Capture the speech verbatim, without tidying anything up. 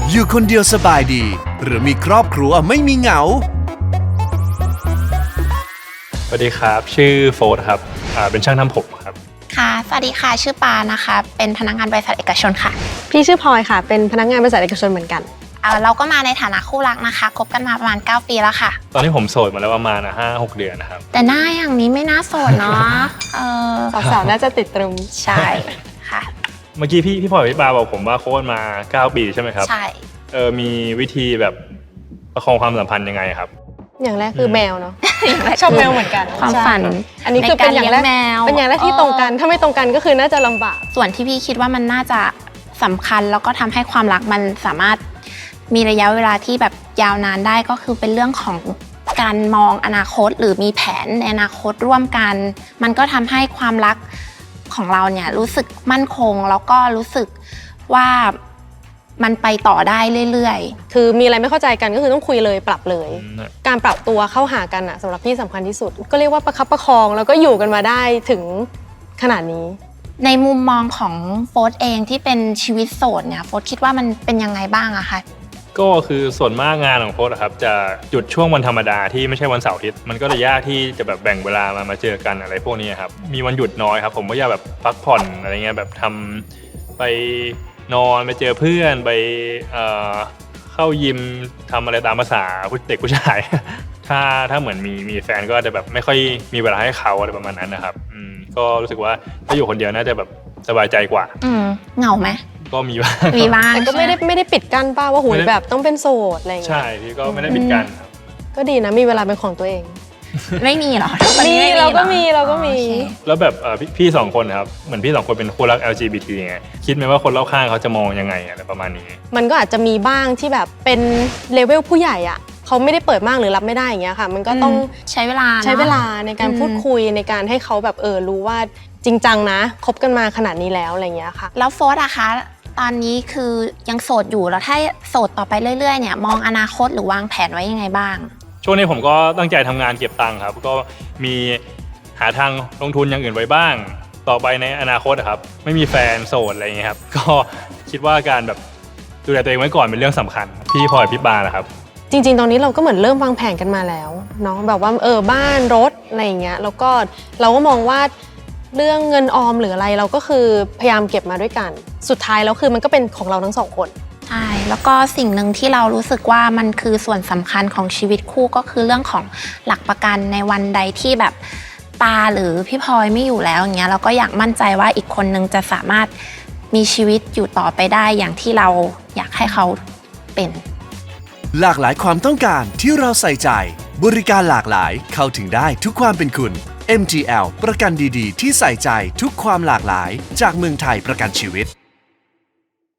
อยู่คนเดียวสบายดีหรือมีครอบครัวไม่มีเหงาสวัสดีครับชื่อโฟร์ครับอ่าเป็นช่างทำผมครับค่ะสวัสดีค่ะชื่อปานะคะเป็นพนักงานบริษัทเอกชนค่ะพี่ชื่อพลอยค่ะเป็นพนักงานบริษัทเอกชนเหมือนกันเอ่อเราก็มาในฐานะคู่รักนะคะคบกันมาประมาณเก้าปีแล้วค่ะตอนนี้ผมโสดมาแล้วประมาณห้าหกเดือนนะครับแต่หน้าอย่างนี้ไม่น่าโสดเนาะเออสาวๆน่าจะติดตรึมใช่ค่ะเมื่อกี้พี่พี่พลอยพี่ปาบอกผมว่าโค้ชมาเก้าปีใช่ไหมครับใช่เออมีวิธีแบบประคองความสัมพันธ์ยังไงครับอย่างแรกคือแมวเนาะชอบแมวเหมือนกันความฝันอันนี้คือเป็นอย่างแรกเป็นอย่างแรกที่ตรงกันถ้าไม่ตรงกันก็คือน่าจะลำบากส่วนที่พี่คิดว่ามันน่าจะสำคัญแล้วก็ทำให้ความรักมันสามารถมีระยะเวลาที่แบบยาวนานได้ก็คือเป็นเรื่องของการมองอนาคตหรือมีแผนในอนาคตร่วมกันมันก็ทำให้ความรักของเราเนี่ยรู้สึกมั่นคงแล้วก็รู้สึกว่ามันไปต่อได้เรื่อยๆคือมีอะไรไม่เข้าใจกันก็คือต้องคุยเลยปรับเลยการปรับตัวเข้าหากันอะสำหรับพี่สำคัญที่สุดก็เรียกว่าประคับประคองแล้วก็อยู่กันมาได้ถึงขนาดนี้ในมุมมองของโฟร์เองที่เป็นชีวิตโสดเนี่ยโฟร์คิดว่ามันเป็นยังไงบ้างอะคะก็คือส่วนมากงานของโค้ชครับจะหยุดช่วงวันธรรมดาที่ไม่ใช่วันเสาร์อาทิตย์มันก็จะยากที่จะแบบแบ่งเวลามามาเจอกันอะไรพวกนี้ครับมีวันหยุดน้อยครับผมก็อยากแบบพักผ่อนอะไรเงี้ยแบบทำไปนอนไปเจอเพื่อนไปเอ่อเข้ายิมทำอะไรตามภาษาเด็กผู้ชายถ้าถ้าเหมือนมีมีแฟนก็จะแบบไม่ค่อยมีเวลาให้เขาอะไรประมาณนั้นนะครับอืมก็รู้สึกว่าถ้าอยู่คนเดียวน่าจะแบบสบายใจกว่าอืมเหงาไหมก็มีบ้างมีบ้างแต่ก็ไม่ได้ไม่ได้ปิดกั้นป้าว่าหุยแบบต้องเป็นโสดอะไรอย่างเงี้ยใช่พี่ก็ไม่ได้ปิดกั้นครับก็ดีนะมีเวลาเป็นของตัวเองไม่มีหรอมีเราก็มีเราก็มีแล้วแบบพี่สองคนครับเหมือนพี่สองคนเป็นคู่รัก แอล จี บี ที ไงคิดไหมว่าคนรอบข้างเขาจะมองยังไงอะไรประมาณนี้มันก็อาจจะมีบ้างที่แบบเป็นเลเวลผู้ใหญ่อ่ะเขาไม่ได้เปิดมากหรือรับไม่ได้อย่างเงี้ยค่ะมันก็ต้องใช้เวลาใช้เวลาในการพูดคุยในการให้เขาแบบเออรู้ว่าจริงจังนะคบกันมาขนาดนี้แล้วอะไรเงี้ยค่ะแล้วโฟร์อะคะตอนนี้คือยังโสดอยู่แล้วถ้าโสดต่อไปเรื่อยๆเนี่ยมองอนาคตหรือวางแผนไว้ยังไงบ้างช่วงนี้ผมก็ตั้งใจทำงานเก็บตังค์ครับก็มีหาทางลงทุนอย่างอื่นไว้บ้างต่อไปในอนาคตครับไม่มีแฟนโสดอะไรอย่างเงี้ยครับก็คิดว่าการแบบดูแลตัวเองไว้ก่อนเป็นเรื่องสำคัญพี่พลอยพี่ปาล่ะครับจริงๆตอนนี้เราก็เหมือนเริ่มวางแผนกันมาแล้วเนาะแบบว่าเออบ้านรถอะไรอย่างเงี้ยแล้วก็เราก็มองว่าเรื่องเงินออมหรืออะไรเราก็คือพยายามเก็บมาด้วยกันสุดท้ายแล้วคือมันก็เป็นของเราทั้งสองคนใช่แล้วก็สิ่งหนึ่งที่เรารู้สึกว่ามันคือส่วนสำคัญของชีวิตคู่ก็คือเรื่องของหลักประกันในวันใดที่แบบปาหรือพี่พลอยไม่อยู่แล้วอย่างเงี้ยเราก็อยากมั่นใจว่าอีกคนนึงจะสามารถมีชีวิตอยู่ต่อไปได้อย่างที่เราอยากให้เขาเป็นหลากหลายความต้องการที่เราใส่ใจบริการหลากหลายเข้าถึงได้ทุกความเป็นคุณ เอ็ม จี แอล ประกันดีๆที่ใส่ใจทุกความหลากหลายจากเมืองไทยประกันชีวิต